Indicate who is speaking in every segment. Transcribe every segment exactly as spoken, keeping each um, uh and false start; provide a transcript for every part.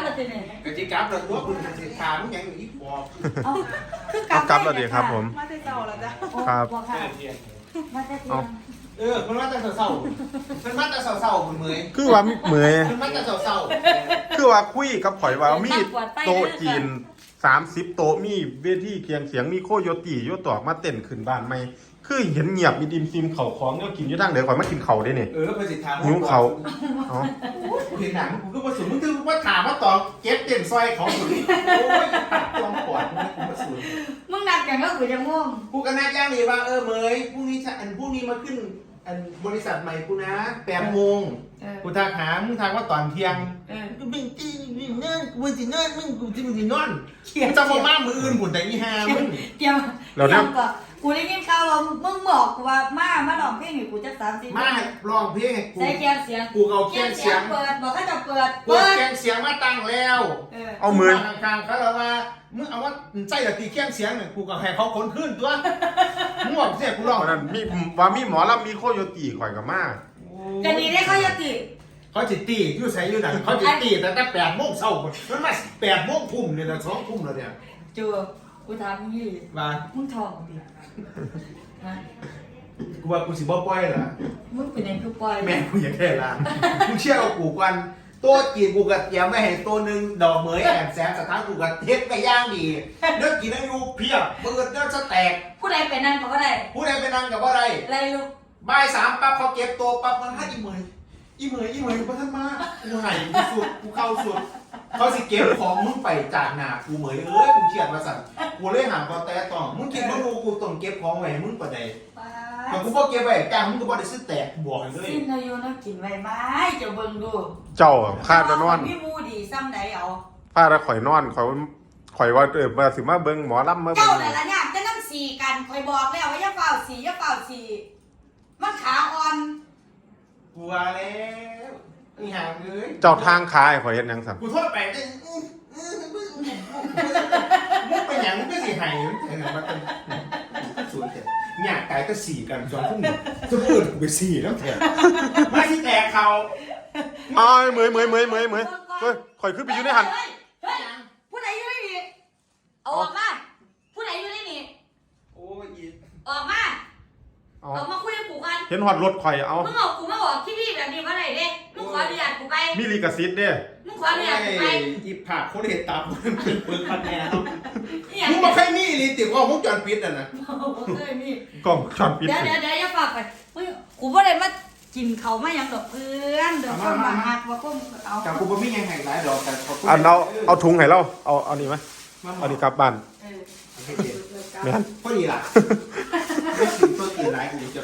Speaker 1: แล้วทีนี้
Speaker 2: กะจิกลับแล้วตัวคุณกะจิถามยังอีกบอก
Speaker 1: เอาคือก
Speaker 3: กลับแล้วดีครับผม
Speaker 4: มาแต่เจ้าแล้วจ้ะ
Speaker 3: ครับ
Speaker 1: มาแต่เที่ยง
Speaker 2: เออมันมาแต่เศร้าๆมันมาแต่เศร้าๆคุณเมย์
Speaker 3: คือว่ามีเหมย
Speaker 2: มันมาแต่เศร้า
Speaker 3: คือว่าคุยกับข่อยว่ามีโต๊ะจีนสามสิบโต๊ะมีเวทีเคียงเสียงมีโคโยตี้โยตอกมาเต้นขึ้นบ้านใหม่คือเห็นเงียบมีดิมซิมเข่าของเนี่ยกินอยู่ทางเดี๋ยวข่อยมากินเข่าได้เนี่ย
Speaker 2: ๆเออไปสิถาม
Speaker 3: หิวเขาอ๋อ
Speaker 2: กูเห็นหนังกูก็มาสูนมึงคือว่าถามว่าตอนเก็บเต็มซอยของสุดโอ้ยตัดจอมปอดมึงกูมาสูน
Speaker 1: มึงนัดกันก็กูจะง่วง
Speaker 2: กูก็นัดย่างเลยว่าเออเมย์พรุ่งนี้อันพรุ่งนี้มาขึ้นอันบริษัทใหม่กูนะแปดโมงกูทักหามึงทักว่าตอนเที่ยง
Speaker 1: เออ
Speaker 2: กูเป็นจีนนั่นกูสินอนมึงกูจะมึงสินอน
Speaker 1: เขียน
Speaker 2: จะมาบ้ามืออื่นบุญแต่อีหามึง
Speaker 1: เตรียมเตรียมก่อนกูได้ยินข่าวว่ามึงบอกกูว่ามามาลองเพลงให้กูจักสามสิบ
Speaker 2: มาร้องเพลงให้กู
Speaker 1: ใส่แกงเสียง
Speaker 2: กูเอาแกงเสียง
Speaker 1: เปิดบอกให้จะเปิด
Speaker 2: กูเอาแกงเสียงมาตั้งแล้ว
Speaker 1: เออ
Speaker 3: เอามือ
Speaker 2: กลางๆเขาแล้วว่ามึงเอาว่าใจกับตีแกงเสียงเนี่ยกูก็ให้เขาคนขึ้นตัวมึงบอกเสียกูร้อง
Speaker 3: วันนั้นมีว่ามีหมอลำมีโคโยตี้ข่อยกับมา
Speaker 1: จะดีได้เขาจะติ
Speaker 2: เขาจิตีอยู่ใส่อยู่ไหนเขาจิตีแต่แต่แปดโมงเช้ามันมาแปดโมงทุ่มเนี่ยนะสองทุ่มแล้วเนี่ย
Speaker 1: จูกูถามมึงยี่
Speaker 2: ว่า
Speaker 1: มึงทองดิฮะ
Speaker 2: กูว่ากูสิบ่ปล่อยล่ะ
Speaker 1: มึงเป็นยังคือปล่อย
Speaker 2: แม่กูอยากได้ร้านกูเชื่อเอากูกันโต๊ะจีนกูกัดเตรียมไม่ให้ตัวหนึ่งดอกเหมยแอบแสงสถานกูกัดเทสไปย่างดีเนื้อกินอายุเพียบเบิดเนื้อสแต็ก
Speaker 1: ผู้ใดเป็นนั่นก็ได้
Speaker 2: ผู้ใดไปนั่งกับว่าไร
Speaker 1: ไรลูก
Speaker 2: บ่ายสามปั๊บเขาเก็บตัวปั๊บมาให้อีเหมยอีเหมยอีเหมยมาท่านมากูใหายกูสุดกูเข้าสุดเขาสิเก็บของมึงไปจากหนากูเหมยเอ้ยกูเขียดมาสั่นกูเลยหามกอแต่ต่อมึงคิดว่ากูกูต้องเก็บของไว้มึงปะใดแต่กูบอกเก็บไว้จ้างมึงก็บ่ได้ซื้อแตกกูบอกให้เลย
Speaker 1: สิ้นอายุนะกินไว้ไหมจะเบิ่งดู
Speaker 3: เจ้าอะพาจะนอน
Speaker 1: พี่มูดีซ้ำไหนเอา
Speaker 3: พาจะข่อยนอนข่อยข่อยว่าเออมาสิมาเบิ่งหมอลำมาเบิ่
Speaker 1: เจ้าง แต่ละเนี่ยจะนั่งสี่กันคอยบอกแล้วว่าอย่าเฝ้าสี่อย่าเฝ้าสี่มันขาอ่อน
Speaker 2: กูว่าแล้วนี่ห่างเลย
Speaker 3: เจ้าทางคายข่อยเห็นยังสั่น
Speaker 2: กูโทษไปได้อื้ออื้อมึงมึงเป็นหยังมึงก็สิหายเออมันเป็นสวยแต่หยาดกายก็สี่กันจนพวกนี้จะพูดกูไปสี่แล้วแถมมาที่แตกเขา
Speaker 3: อ้ายเหมยเหมยเหมยเหมยเหมยเฮ้ยข่อยขึ้นไปอยู่ในหัน
Speaker 1: เฮ้ยเฮ้ยผู้ใดอยู่ในนี่เอาออกมาผู้ใดอยู่ในนี่
Speaker 2: โอ้ยอี
Speaker 1: ออกมา
Speaker 3: เอา
Speaker 1: ออกมาคุยกับกูกัน
Speaker 3: เห็นหอดรถข่อยเอา
Speaker 1: มึงเอากูมาบอกที่พี่แบบนี้มาไหนเด้มึงขออนุญาตกูไป
Speaker 3: มีลิขสิทธิ์เด้
Speaker 1: มึงขออนุญาตกูไป
Speaker 2: อีผักคนเห็นตามมันเป็นปืนพันแนว
Speaker 1: เนี่ย
Speaker 2: มึงมาแค่นี้ลิติว่ามึงจอนปิดอ่ะนะ
Speaker 1: เคยมี
Speaker 3: กล้องช็อตปิด
Speaker 1: เดี๋ยวเดี๋ยวเดี๋ยวอย่าฝากไปมึงกูบ่ได้มากินเขาไม่ยังดอกเพื่อนเดี๋ยวคนมาหักว่าพวกมึงเอา
Speaker 2: กับกูบ่มียังไงหลายดอกแต่ขอบคุณ
Speaker 3: อันเอาเอาถุงให้เราเอาเอานี่ไหมเอานี่กลับบ้าน
Speaker 1: เออ
Speaker 3: แม่น
Speaker 2: พอดีล่ะไม่ถึงตัวกินหลายกูจะไป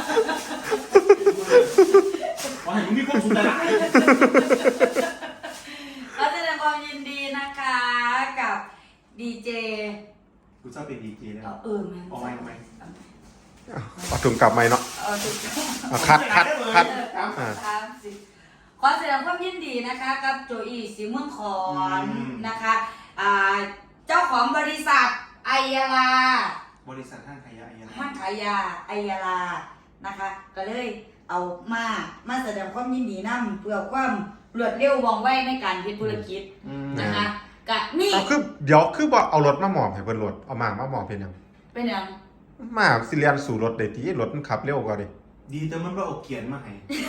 Speaker 2: ขอให้มึงมีความสุขหลาย
Speaker 1: ขอแสดงความยินดีนะคะกับดีเจ
Speaker 2: กูชอบเป็นดีเจเลย
Speaker 1: เออแม่
Speaker 2: เอาไว้ทำไม
Speaker 3: เอาถุงกลับไหมเนาะ
Speaker 1: เออถูก
Speaker 3: เอาคัดคัดคัด อ่า
Speaker 1: สามสิบขอแสดงความยินดีนะคะกับโจอี้สีเมืองขอนนะคะอ่าเจ้าของบริษัทไอยาลา
Speaker 2: บริษัทห้างขายยาอะไร
Speaker 1: ห้างขายยาไอยาลานะคะ ก็เลยเอามามาแสดงความยินดีนำเพื่อความรวดเร็วว่องไวในการเฮ็ดธุรกิจนะคะกะนี่
Speaker 3: เอาคือเดี๋ยวคือบอกเอารถมาหมอบให้เพิ่นรถเอามามาหมอบเป็นหยัง
Speaker 1: เป็นหยัง
Speaker 3: มาสิเรียนสู่รถได้ตีรถมันขับเร็วกว่าดิ
Speaker 2: ดีแต่มันบ่เอาเขียนมาให้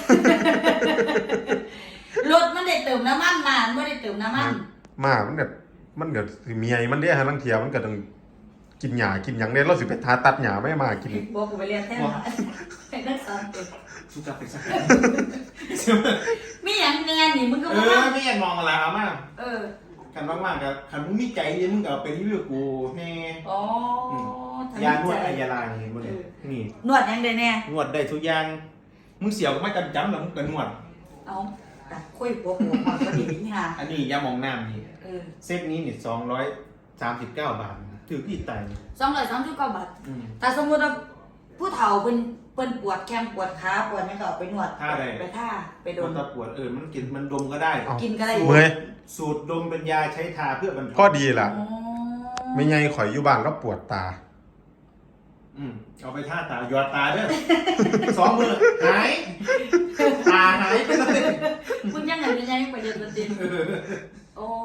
Speaker 1: รถมันได้เติมน้ำมันมามันบ่ได้เติมน้ำมัน
Speaker 3: มามันก็มันก็สิเมียมันเด้ฮะลังเทียมันก็ต้องกินหญ้ากินหยังเด้เราสิไปทาตัดหญ้าไม่มากิน
Speaker 1: บอกกูไปเรียนแท้มาให้นักสอนเด็ก
Speaker 2: สุกลับไปสัก
Speaker 1: มีหยังแน่นี่มึงก็
Speaker 2: เอ
Speaker 1: บ่
Speaker 2: อ
Speaker 1: ว่า
Speaker 2: ไม่อยากมองอะไรเอามา
Speaker 1: เออ
Speaker 2: กันมากๆกับคันมึงมีใจเนี่ยมึงก็เอาไปรีวิวกูแน่
Speaker 1: อ๋อทำ
Speaker 2: ยานวดอายาลาเห็นบ่เนี่ยนี่
Speaker 1: นวดหยังได้แน่
Speaker 2: นวดได้ทุกอย่างมึงเสียวก็ไม่จำจำแล้วมึงก็นวด
Speaker 1: เอาตัดคุยหัวหัวมันก็ดีนี่ฮะ
Speaker 2: อันนี้ยาหมองน้ำนี่
Speaker 1: เออ
Speaker 2: เซตนี้นี่สองร้อยสามสิบเก้าบาทถือที่ตาย
Speaker 1: สองร้อยสามสิบเก้าบาท
Speaker 2: อืม
Speaker 1: แต่สมมุติว่าผู้เฒ่าเพิ่นเพิ่นปวดแข้งปวดขาปวดหยังก็เอาไปนวด
Speaker 2: ท่าใด
Speaker 1: ไปท่าไปโด
Speaker 2: มัน นตะปวดเออมันกินมันดมก็ได้
Speaker 1: กินก็ได้
Speaker 3: เมื่อย
Speaker 2: สูตรดมเป็นยาใช้ทาเพื่อบรรเทา
Speaker 3: ก็ดีล่ะ
Speaker 1: อ๋อ
Speaker 3: ไม่ไงข่อยอยู่บ้านแล้วปวดตา
Speaker 2: อืมเอาไปท่าตาหยอดตาเด้อ สองมือหายตาหายไปเลย
Speaker 1: มึงยังไงเป็นยังประเด็นประเด็นโอ้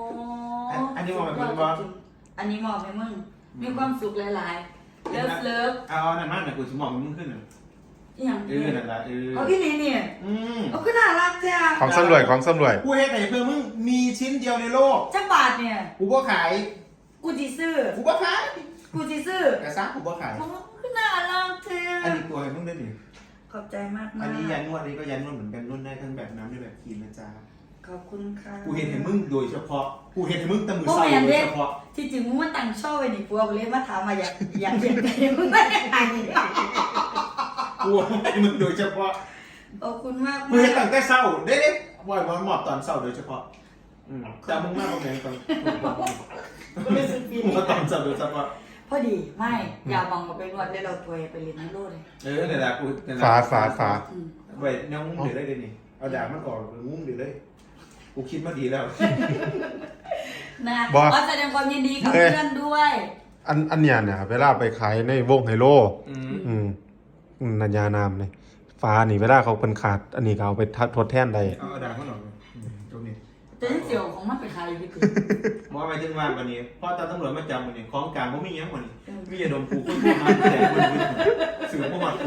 Speaker 2: มอบให้มึงบ่
Speaker 1: อันนี้มอบให้มึงมีความสุขหลายๆเลิฟเลิฟ
Speaker 2: เอาเอานั่นมาหน่อยกูสิมอบให้มึงขึ้นน่ะ
Speaker 1: อย่าง
Speaker 2: เออนั่นล่ะเออ
Speaker 1: เอาพี่นี่เนี่ย
Speaker 2: อืม
Speaker 1: เอาขึ้นน่ารักจ้ะ
Speaker 3: ของสำรวยของสำรวย
Speaker 2: กูเฮ็ดให้เพื่อมึงมีชิ้นเดียวในโลก
Speaker 1: จักบาทเนี่ย
Speaker 2: กูบ่ขาย
Speaker 1: กูจีซื้อ
Speaker 2: กูบ่ขาย
Speaker 1: กูจีซื้อก
Speaker 2: ระซักกูบ่ขาย
Speaker 1: เอาขึ้นน่ารักเธ
Speaker 2: อัน
Speaker 1: อ
Speaker 2: นี้ตัวให้มึงได้ดิ
Speaker 1: ขอบใจมากๆ
Speaker 2: อันนี้ยันนวดอันนี้ก็ยันนวดเหมือนกันนวดได้ทั้งแบบน้ำได้แบบครีมนะจ๊ะ
Speaker 1: ขอบคุณค่ะ
Speaker 2: กูเห็นให้มึงโดยเฉพาะ กูเห็นให้มึงแตะมือ
Speaker 1: พวก
Speaker 2: ใส่
Speaker 1: แมน
Speaker 2: โด
Speaker 1: เด้
Speaker 2: ยเฉพาะ
Speaker 1: ที่จริงมึงมาตั้งช่อไว้นี่ปัวกูเลยมาถามมาอยากอยากเห็นใจมึงไม่ได้ไง
Speaker 2: กูให้มึงโดยเฉพาะ
Speaker 1: ขอบคุณมาก
Speaker 2: กูเห็นตั้งแต่เศร้าเด้ๆบ่อยวันหมอบตอนเศร้าโดยเฉพาะอืมแต่มึงมากกว่าแม่งตอน
Speaker 1: กูรู้สึกดี
Speaker 2: มึงมาตอนเศร้าโดยเฉพาะ
Speaker 1: พอดีไม่อย่าบังกับไปนวดได้เราถวยไปเรียนในโลดเลย
Speaker 2: เออเนี่ยแหละกูเนี่ยแหละ
Speaker 3: ฝาฝาฝา
Speaker 1: อืม
Speaker 2: ไว้แนวงุ้มเดือดได้เลยนี่เอาดาบมันออกงุ้มเดือดเลยกูคิดมาดีแล้ว
Speaker 1: นะ
Speaker 3: บอก
Speaker 1: ขอแสดงความยินดีกับ
Speaker 3: เอ้ย
Speaker 1: เพื่อนด้วย
Speaker 3: อันอันเนี้ยเนี่ยเวลาไปขายในวงไฮโล
Speaker 2: อืม
Speaker 3: อืมอืมนัญญานามเลยฟ้านี่เวลาเขาเป็นขาด อันนี้ก็เอาไปทดแทนได้
Speaker 2: เอาดาบมันออกอืมตรงนี้
Speaker 1: แต่ที่เสี่ยวของมันไปขายอยู่ที่คือ
Speaker 2: บอกไปถึงว่าวันนี้พอตาตำรวจมาจับวันนี้ของกลางบ่มีหยังวันนี้มีอย่าดมกูคนทั่วมาแต่คนอื่นสื่อบ่มา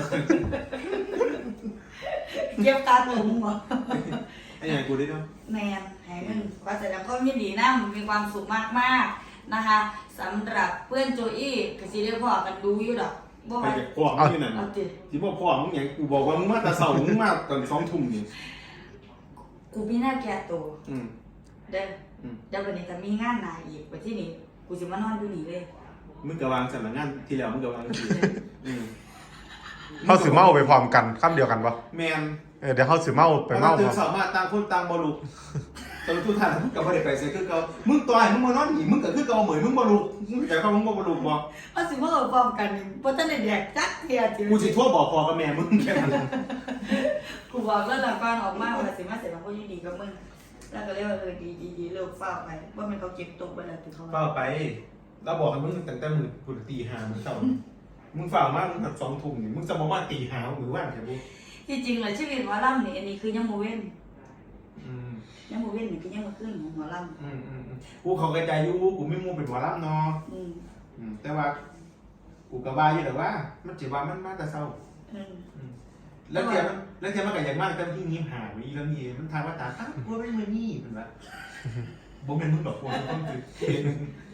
Speaker 1: เก็บการหลงเหรอ
Speaker 2: ไอ้ยังกูได้เนาะ
Speaker 1: แมนให้มึงขอแสดงความยินดีนะมึงมีความสุขมากๆนะคะสำหรับเพื่อนโจอี้ก็สิได้พอกันดูอยู่ดอกบ่
Speaker 2: ไป
Speaker 1: ว่า
Speaker 2: จากพ่อมึงอยู่นั่น
Speaker 1: เอาติ
Speaker 2: สิบ่พ่อมึงหยังกูบอกว่ามึงมาแต่เช้ามึงมาตอนสองทุ่มนี่
Speaker 1: กูมีหน้าแก่ตัว
Speaker 2: อืม
Speaker 1: เด้อ
Speaker 2: อืม
Speaker 1: เดี๋ยววันนี้จะมีงานหนาอีกไปที่นี่กูจะมานอนอยู่นี่เลย
Speaker 2: มึงก็วางสำนักงานที่แล้วมึงก็วางที่อืม
Speaker 3: เขาสือเมาไปพร้อมกันคำเดียวกันปะ
Speaker 2: แมน
Speaker 3: เออเดี๋ยวเขาสือเมาไป
Speaker 2: ไป
Speaker 3: เมา
Speaker 2: เมา
Speaker 3: พ
Speaker 2: ตื่
Speaker 3: ร้
Speaker 2: น
Speaker 3: อม
Speaker 2: สามารถต่างคนต่างบ่ลุกตอนทุกท่านมึงก็บ่ได้ไปเสียคือเก่ามึงต่อยมึงมานอนหนีมึงก็คือเก่าเหมือนมึงบ่ลุกมึงอยากเข้ามึงบ่บ่ลุกบ่
Speaker 1: เอาสิมาเอาพร้อมกันนี่บ่ทันได้แดกจักเทียจิ
Speaker 2: กูสิโทั่วบอกพ่อกับแม่มึงแค่นั้น
Speaker 1: กูบอกแล้วหลังก่อนออกมาว่าสิมาเสร็จมันก็ยินดีกับมึงแล้วก็เรียกว่าเออดีดีดีเลิกเฝ้าไปว่ามันเขาเก็บตกไปแล้วถึงเขา
Speaker 2: เฝ้าไปเราบอกให้มึงตั้งแต่มื้อกูตีห้ามื้อเช้ามึงเฝ้ามามึงหัดสองทุ่มนี่มึงจะมาว่าตีห้ามื้อว่างแค่บ่
Speaker 1: ที่จริงเลยชีวิตหมอลำนี่อันนี้คือยังโมเว้น
Speaker 2: อืม
Speaker 1: ยังโมเว้นนี่คือยังมาขึ้นของหมอล
Speaker 2: อืมอืมอืมกูเข้าใจอยู่กูไม่มูเป็นหมอลำเนาะ
Speaker 1: ำอืม
Speaker 2: อืมแต่ว่ากูก็ว่าอยู่แต่ว่า มันสิว่ามันมาแต่เช้า
Speaker 1: อืม
Speaker 2: อืมแล้วเทียมันแล้วเทียมันก็อย่างมากแต่ที่ยิ้มหาวิแล้วนี่มันทางว่าตาอ้าวกูเป็นมือนี่เป็นว่าบ่แม่นมึงดอกกูมันต้องคือเห็น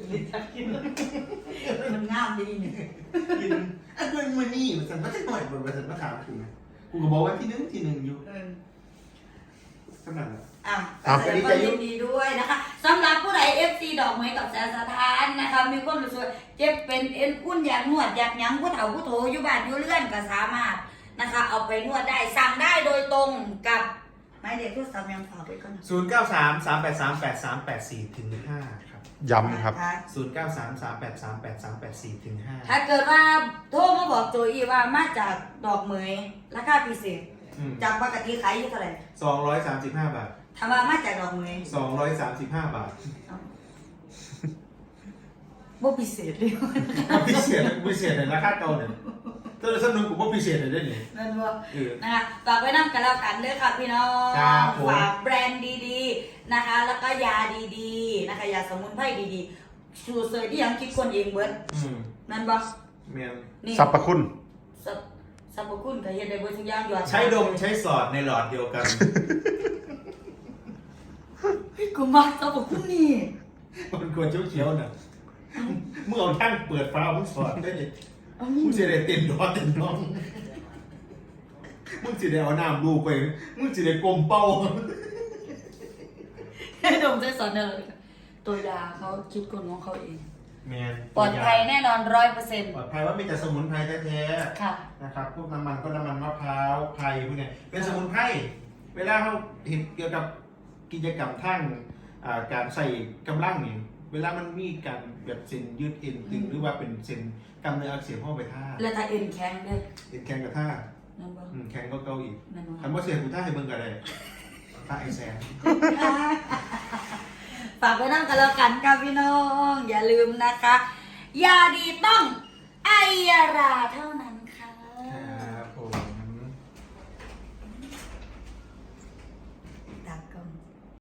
Speaker 1: มันงามดีนี่
Speaker 2: กินอ่ะกูเป็นมือนี่มันสั่นมาจักหน่อยบ่ว่าสั่นมาถามกูนะกูก็บอกว่าที่หนึ่งที่หนึ่งอยู่
Speaker 1: เออ
Speaker 2: สำนักน่ะ
Speaker 1: อ่ะแสดงความยินดีด้วยนะคะสำหรับผู้ใด เอฟ ซี ดอกไม้กับแสนสถานนะคะมีความรู้สึกว่าเจ็บเป็นเอ็นอุ่นอยากนวดอยากหยังผู้เฒ่าผู้โถอยู่บ้านอยู่เรือนก็สามารถนะคะ เอาไปนวดได้สั่งได้โดยตรงกับหมายเลขโทรศัพท์ยังฝากไว้ก่อนนะ
Speaker 2: ศูนย์เก้าสามสามแปดสามแปดสามแปดสี่ถึงห้าครับ
Speaker 3: ย้ำครับ
Speaker 1: นะะ
Speaker 2: ศูนย์เก้าสามสามแปดสามแปดสามแปดสี่ถึงห้า
Speaker 1: ถ้าเกิดว่าโทรมาบอกโจอีว่ามาจากดอกเหมยราคาพิเศษ จากปกติขายอยู่เท่าไหร่
Speaker 2: สองร้อยสามสิบห้าบาท
Speaker 1: ถามว่ามาจากดอกเหมย
Speaker 2: สองร้อยสามสิบห้าบาท
Speaker 1: บ่พิเศษเลย
Speaker 2: พิเศษพิเศษในราคาเก่าเนี่ยถ้าเราสนุนกูว่าพิเศษเลยได้เนี่ย
Speaker 1: นั่นว่า
Speaker 2: เออ
Speaker 1: นะคะฝากไว้นำกันแล้วกันเด้อค่ะพี่น้อง
Speaker 2: ครับผม
Speaker 1: ฝากแบรนด์ดีๆนะคะ แล้วก็ยาดีๆนะคะยาสมุนไพรดีๆสูตรเสยที่ยังคิดคนเองเบิด
Speaker 2: อืม
Speaker 1: นั่นบ่
Speaker 2: เมียน
Speaker 1: นี่
Speaker 3: สรรพคุณ
Speaker 1: สรรพสรรพคุณก็เฮ็ดได้เบิดทุกอย่างยอด
Speaker 2: ใช้ดมใช้สอดในหลอดเดียวกัน
Speaker 1: เฮ้ยกูมาสรรพคุณนี่
Speaker 2: มันควรเขียวๆน่ะเมื่อเอาทั้งเปิดฟ้ามึงสอดได้เลย
Speaker 1: เอา
Speaker 2: มึ
Speaker 1: นี่
Speaker 2: งจะได้เต็มดอเต็มน้องมึงจะได้เอาน้ำดูไปมึงจะได้กลมเป้า
Speaker 1: ให้ดมใจสอนเด้อตัวยาเขาคิดคนของเขาเอง
Speaker 2: เมียน
Speaker 1: ปลอดภัยแน่นอนร้อยเปอร์เซ็นต์
Speaker 2: ปลอดภัยว่ามีแต่สมุนไพรแท้
Speaker 1: ค่ะ
Speaker 2: ๆนะครับพวกน้ำมันก็น้ำมันมะพร้าวไพรพวกเนี้ยเป็นสมุนไพรเวลาเขาเห็นเกี่ยวกับกิจกรรมทั้งอ่าการใส่กำลังนี่เวลามันมีการแบบเส้นยืดเอ็นตึงหรือว่าเป็นเส้นกล้ามเนื้ออักเสบเข้าไปท่า
Speaker 1: แล้วถ้าเอ็นแข็งเด้อ
Speaker 2: เอ็นแข็งกับท่า
Speaker 1: นั่นบ่
Speaker 2: อืมแข็งก็เกาอีก
Speaker 1: นั่นบ่
Speaker 2: คำว่าเสียกูท่าให้เบิ่งกันเลยท่าไอแซน
Speaker 1: ฝากไว้นั่งกันแล้วกันค่ะพี่น้อง อย่าลืมนะคะ ยาดีต้องไอยาราเท่านั้นค่ะ
Speaker 2: ครับผม
Speaker 1: ตากล้อง